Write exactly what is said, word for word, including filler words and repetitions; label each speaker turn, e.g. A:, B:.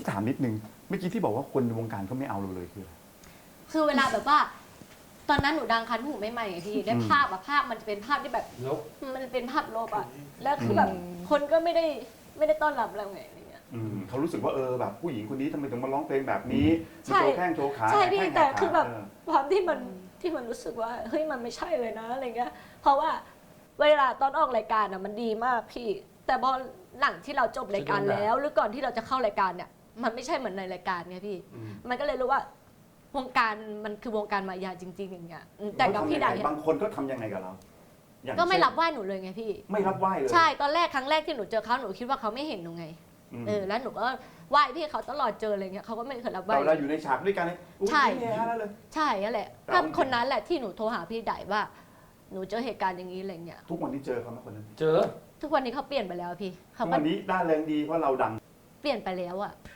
A: ถามนิดนึงเมื่อกี้ที่บอกว่าคนในวงการเขาไม่เอาเราเลยคืออะไร
B: คือเวลาแบบว่า ตอนนั้นหนูดังคันหูใหม่ๆไงพี่ได้ภาพอะภาพมันจะเป็นภาพที่แบบ
C: ลบ
B: มันเป็นภาพลบอะแล้วคือแบบคนก็ไม่ได้ไม่ได้ต้อนรับเราไงอะไรเงี้ย
A: อืมเขารู้สึกว่าเออแบบผู้หญิงคนนี้ทำไมถึงมาร้องเพลงแบบนี้
B: ใช่
A: มาโชว์แข้งโชว์ขา
B: ใช่พี่
A: ห้ง
B: แต่
A: หกขา
B: คือแบบ
A: เออ
B: ความที่มันที่มันรู้สึกว่าเฮ้ยมันไม่ใช่เลยนะอะไรเงี้ยเพราะว่าเวลาตอนออกรายการอะมันดีมากพี่ แต่พอหลังที่เราจบรายการแล้ว หรือก่อนที่เราจะเข้ารายการเนี่ยมันไม่ใช่เหมือนในรายการไงพี่
A: อืม
B: มันก็เลยรู้ว่าวงการมันคือวงการมายาจริง ๆ อย่างเงี้ยอืมแต่กับพี่ได
A: บางคนก็ทำยังไงกับเราอย่าง
B: ก็ไม่
A: เช่น
B: รับไหว้หนูเลยไงพี่
A: ไม่รับไหว้เลย
B: ใช่ตอนแรกครั้งแรกที่หนูเจอเขาหนูคิดว่าเขาไม่เห็นหนูไง
A: ม
B: เออแล้วหนูก็ไหว้พี่เขาตลอดเจออะไรเงี้ยเขาก็ไม่เคยรับไหว้
A: แต่เวลาอยู่ในฉากด้วยกันเนี่ยอุ๊ย
B: ใช่
A: นี่ฮะแล้วเลย
B: ใช่นั่นแหละ
A: แต่
B: ก็
A: ว่า
B: คนนั้นแหละที่หนูโทรหาพี่ไดว่า หนูเจอเหตุการณ์อย่างนี้อะไรเงี้ย
A: ทุกวันนี้เจอเขาไหมคนนั้น
C: เจอ
B: ทุกวันนี้เขาเปลี่ยนไปแล้วพี่
A: ทุ
B: เขา
A: ก
B: ก็
A: วันนี้ได้แรงดีเพราะเราดัง
B: เปลี่ยนไปแล้วอะ